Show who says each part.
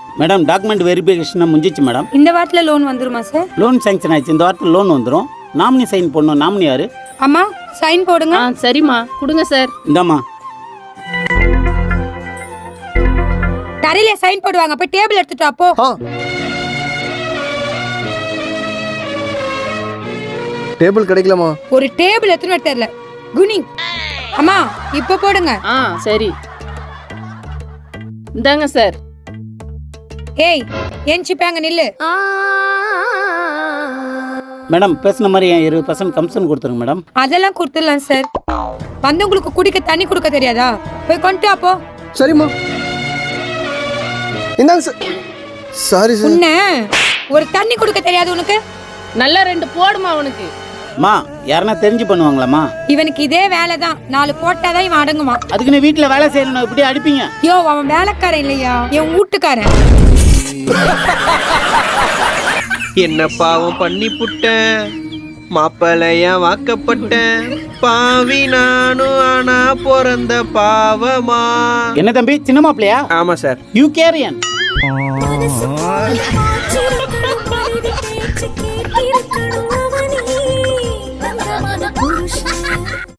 Speaker 1: Madam document verification முடிஞ்சிச்சு madam.
Speaker 2: இந்த வாரத்துல லோன் வந்துருமா சார்?
Speaker 1: லோன் சாங்ஷன் ஆயிடுச்சு. இந்த வாரத்தில் லோன் வந்துடும். நாமினி சைன் பண்ணணும். நாமினி யாரு?
Speaker 2: அம்மா சைன் போடுங்க.
Speaker 3: சரிம்மா கொடுங்க சார்.
Speaker 1: இந்தாம்மா.
Speaker 2: தரையில சைன் போடுவாங்க. போய் டேபிள் எடுத்துட்டு வா போ.
Speaker 4: டேபிள் கிடைக்கலாமா?
Speaker 2: ஒரு டேபிள் எத்தனை தெரியல. குனி அம்மா இப்ப போடுங்க.
Speaker 3: சரி இந்தாங்க சார்.
Speaker 2: ஏய் ஏஞ்சிப்பாங்க நில்லு.
Speaker 1: மேடம் பேசின மாதிரி 20% கமிஷன் கொடுத்துருங்க மேடம்.
Speaker 2: அதெல்லாம் கொடுத்துடலாம் சார். வந்தவங்களுக்கு குடிக்க தண்ணி கொடுக்க தெரியாதா? போய் கொண்டு வா போ.
Speaker 4: சரிம்மா இந்தாங்க சார். Sorry sir.
Speaker 2: உன்ன ஒரு தண்ணி கொடுக்க தெரியாது உனக்கு?
Speaker 3: நல்லா 2 போடுமா உனக்கு.
Speaker 1: மா யாருன்னா தெரிஞ்சு பண்ணுவாங்களாம்மா?
Speaker 2: இவனுக்கு இதே வேலைதான். 4 போட்டாதான் இவன் அடங்குமா.
Speaker 1: அதுக்கு நீ வீட்டுல வேலை செய்யணும். இப்படி அடிப்பீங்க?
Speaker 2: யோ அவன் வேலைக்காரன் இல்லையா, என் வீட்டுக்காரன்.
Speaker 5: என்ன பாவம் பண்ணி புட்டேன், மாப்பிளையா வாக்கப்பட்டேன், பாவி நானும் ஆனா பிறந்த பாவமா.
Speaker 1: என்ன தம்பி சின்ன மாப்பிளையா?
Speaker 5: ஆமா சார்.
Speaker 1: You carry on.